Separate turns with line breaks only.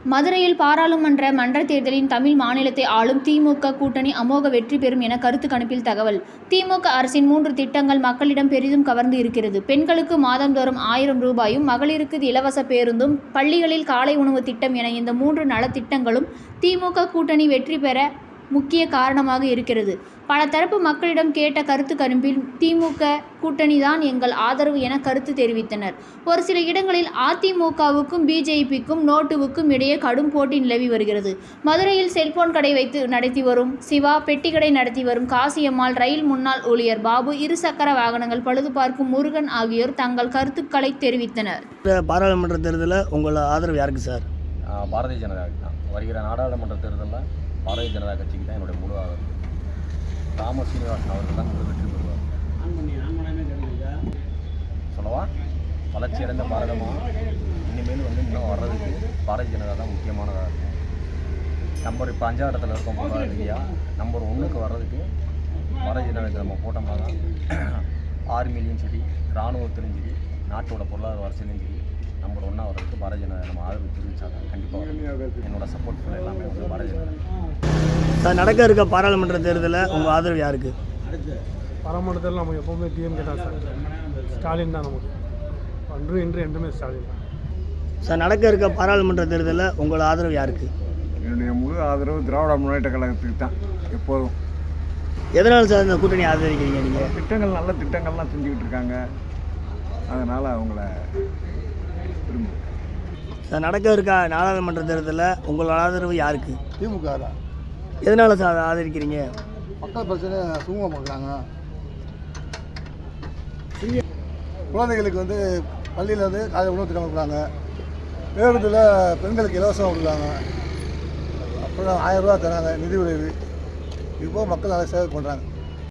மதுரையில் பாராளுமன்ற மன்றத் தேர்தலில் தமிழ் மாநிலத்தை ஆளும் திமுக கூட்டணி அமோக வெற்றி பெறும் என கருத்து கணிப்பில் தகவல். திமுக அரசின் 3 திட்டங்கள் மக்களிடம் பெரிதும் கவர்ந்து இருக்கிறது. பெண்களுக்கு மாதந்தோறும் 1000 ரூபாயும், மகளிருக்கு இலவச பேருந்தும், பள்ளிகளில் காலை உணவு திட்டம் என இந்த 3 நலத்திட்டங்களும் திமுக கூட்டணி வெற்றி பெற முக்கிய காரணமாக இருக்கிறது. பல தரப்பு மக்களிடம் கேட்ட கருத்து கணிப்பில் திமுக கூட்டணி தான் எங்கள் ஆதரவு என கருத்து தெரிவித்தனர். ஒரு சில இடங்களில் அதிமுகவுக்கும் பிஜேபிக்கும் நோட்டுவுக்கும் இடையே கடும் போட்டி நிலவி வருகிறது. மதுரையில் செல்போன் கடை வைத்து நடத்தி வரும் சிவா, பெட்டிக்கடை நடத்தி வரும் காசியம்மாள், ரயில் முன்னாள் ஊழியர் பாபு, இருசக்கர வாகனங்கள் பழுது பார்க்கும் முருகன் ஆகியோர் தங்கள் கருத்துக்களை தெரிவித்தனர்.
பாராளுமன்ற தேர்தலில் உங்கள் ஆதரவு யாருக்கு சார்?
பாரதிய ஜனதாவுக்கு தான். வருகிற நாடாளுமன்ற தேர்தலில் பாரதிய ஜனதா கட்சிக்கு தான் என்னுடைய முழு ஆதரவு. தாமஸ் சீனிவாசன் அவர்கள் தான் முழு வெற்றி பெறுவார். சொல்லவா, வளர்ச்சியடைந்த பாரதமாக இனிமேல் இன்னும் வர்றதுக்கு பாரதிய ஜனதா தான் முக்கியமானதாக இருக்கும். நம்பர் இப்போ 5ஆம் இடத்துல இருக்கோம் பொருளாதார ரீதியாக. நம்பர் 1க்கு வர்றதுக்கு பாரதிய ஜனதாவுக்கு நம்ம போட்டோம்னா தான் ஆர்மிலையும் சரி, இராணுவத்திலும் சரி, நாட்டோட பொருளாதார வளர்ச்சியிலையும் சரி நம்பர் 1 வர்றதுக்கு பாரதிய ஜனதா நம்ம ஆதரவு தெரிவித்தாங்க. கண்டிப்பாக என்னோட சப்போர்ட் ஃபுல் எல்லாமே பாரதிய ஜனதா.
சார், நடக்க இருக்க பாராளுமன்ற தேர்தலில் உங்கள் ஆதரவு யாருக்கு?
பாராளுமன்ற தேர்தல் நம்ம எப்போவுமே டிஎம்கே தான் சார். ஸ்டாலின் தான் நமக்கு. அன்று இன்று என்றுமே ஸ்டாலின் தான்
சார். நடக்க இருக்க பாராளுமன்ற தேர்தலில் உங்கள் ஆதரவு யாருக்கு?
என்னுடைய முழு ஆதரவு திராவிட முன்னேற்ற கழகத்துக்கு தான் எப்போதும்.
எதனால் சார் இந்த கூட்டணி ஆதரிக்கிறீங்க? நீங்கள்
திட்டங்கள் நல்ல திட்டங்கள்லாம் செஞ்சுக்கிட்டு இருக்காங்க, அதனால் அவங்கள விரும்புகிறேன்.
சார், நடக்க இருக்க நாடாளுமன்ற தேர்தலில் உங்கள் ஆதரவு யாருக்கு?
திமுக தான்.
எதனால் சார் ஆதரிக்கிறீங்க?
மக்கள் பிரச்சனை சுமூகம் பார்க்குறாங்க. குழந்தைகளுக்கு பள்ளியில் காலை உணவு திட்டம் கொடுக்குறாங்க. பேருந்தில் பெண்களுக்கு இலவசம் கொடுக்குறாங்க. அப்புறம் 1000 ரூபா தராங்க நிதி உதவி. இப்போ மக்கள் நல்லா சேவை பண்ணுறாங்க.